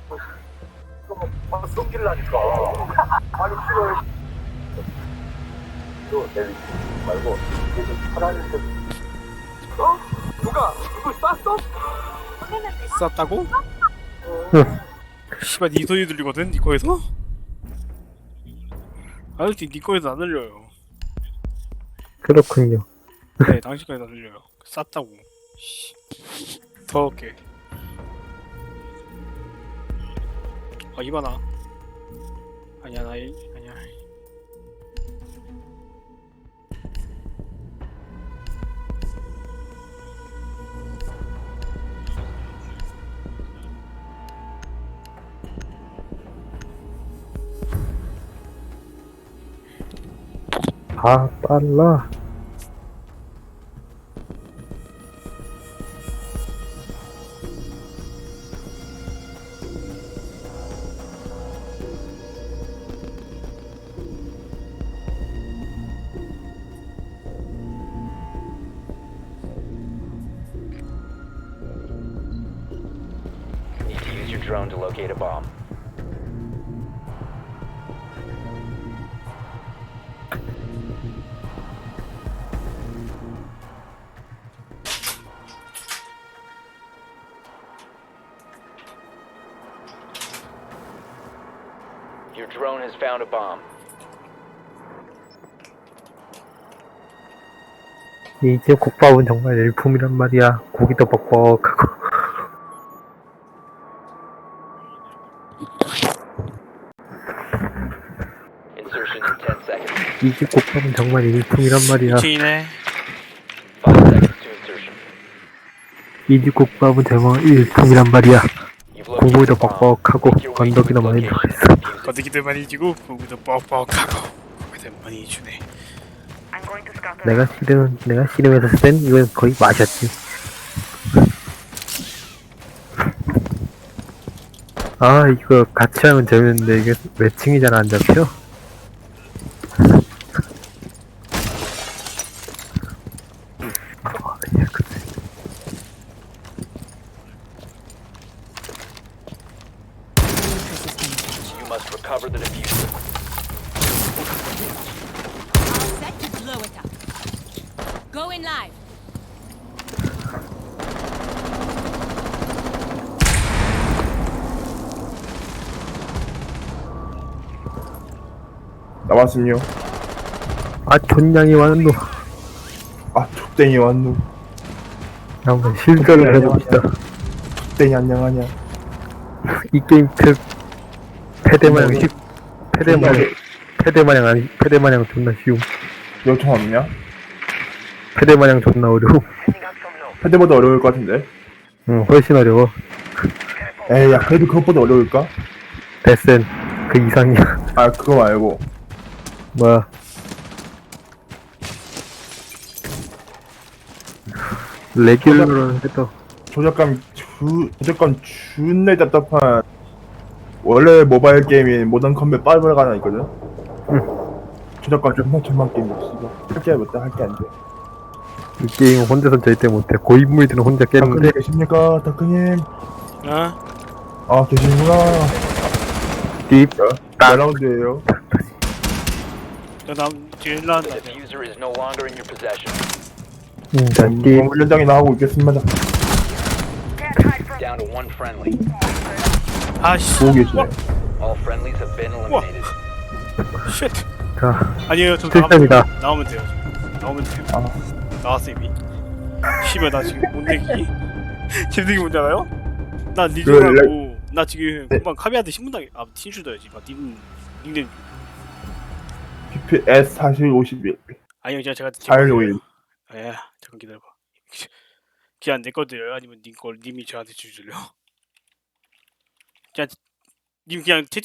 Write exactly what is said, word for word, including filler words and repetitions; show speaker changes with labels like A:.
A: 막 쏟기를 하니까. 아니, 싫어. 내 위치 말고, 이게 좀 살아있는 데. 어? 누가? 누굴 쐈어?
B: 쌌다고?
C: 응.
B: 씨발 니 소리 들리거든? 니 거에서? 아저씨 니 거에서 안 들려요.
C: 그렇군요.
B: 네 당신 거에서 안 들려요. 쌌다고. 씨. 더럽게. 아 이봐나. 아니야 나 이, 아니야.
C: 아, 빨라.
D: Need to use your drone to locate a bomb. Your drone has found a bomb.
C: 이제 국밥은 정말 일품이란 말이야. 고기도 뻑뻑하고.
D: Insertion in ten seconds.
C: 이 집 국밥은 정말 일품이란 말이야.
B: 미친이네.
D: Five seconds to insertion.
C: 이 집 국밥은 정말 일품이란 말이야.
D: You've
C: 고기도
D: located a bomb.
C: 뻑뻑하고
D: Make your way to
C: 건더기도
D: its
C: 많이
D: location.
C: 들어있어.
D: Defuse it.
B: 거드기도 많이 주고 고기도 뻑뻑하고 고기도 많이 주네.
C: 내가 씨름, 내가 씨름에서 쓸 땐 이건 거의 맛이었지. 아, 이거 같이 하면 재밌는데 이게 매칭이 잘 안 잡혀? 아, 예, 그치.
D: You must recover the diffuser.
E: All set to blow it up. Going live.
F: 나왔음요.
C: 아, 존냥이 왔노.
F: 아, 족땡이 왔누.
C: 한번 실전을 해봅시다.
F: 족땡이 안녕하냐.
C: 이 게임 패, 패대마냥 쉽, 패대마냥, 패대마냥 아니, 패대마냥 존나 쉬움.
F: 요청 없냐?
C: 패대마냥 존나 어려움.
F: 헤드보다 어려울 것 같은데.
C: 응, 훨씬 어려워.
F: 에이, 야, 그래도 그것보다 어려울까?
C: 데센, 그 이상이야.
F: 아, 그거 말고.
C: 뭐야. 레귤러는 해도,
F: 조작감, 주, 조작감 준내 답답한. 원래 모바일 게임인 모던 컴뱃 빨벌가 하나 있거든?
C: 응.
F: 조작감 존나 천만 게임이었어. 할게 못해, 할게 안 돼.
C: 이 게임은 혼자선 절대 못해. 고인물들은 혼자 깨는데,
F: 다크님 계십니까? 다크님?
B: 어?
F: 아, 계시구나.
C: 딥,
F: 몇 라운드에요?
B: 저남 제일 나은
D: The diffuser is no longer in your possession.
C: 음, 자, 딥,
F: 건물연장이나 하고 있겠습니다.
D: Down to one friendly.
B: 아씨.
F: 보고 계시네.
D: All friendlies have been eliminated.
B: 쉣.
C: 자,
B: 아니에요 저 나오면,
C: 실전이다.
B: 나오면 돼요. 저. 나오면 돼요.
F: 아.
B: 나왔어 이미. 씨발 나 지금 못 내기. 재밌는 게 뭔지 알아요? 나 리조라고. 나 지금
F: 네.
B: 금방 카비한테 신문당해. 아 팀슈더야지. 막 님 닉네임.
F: 비피에스 사십 오십일.
B: 아니요 제가 제가
F: 사일오일.
B: 예 잠깐 기다려봐. 그냥 내 거 드려요? 아니면 님 걸 님이 저한테 주실래요? 그냥 님 그냥 채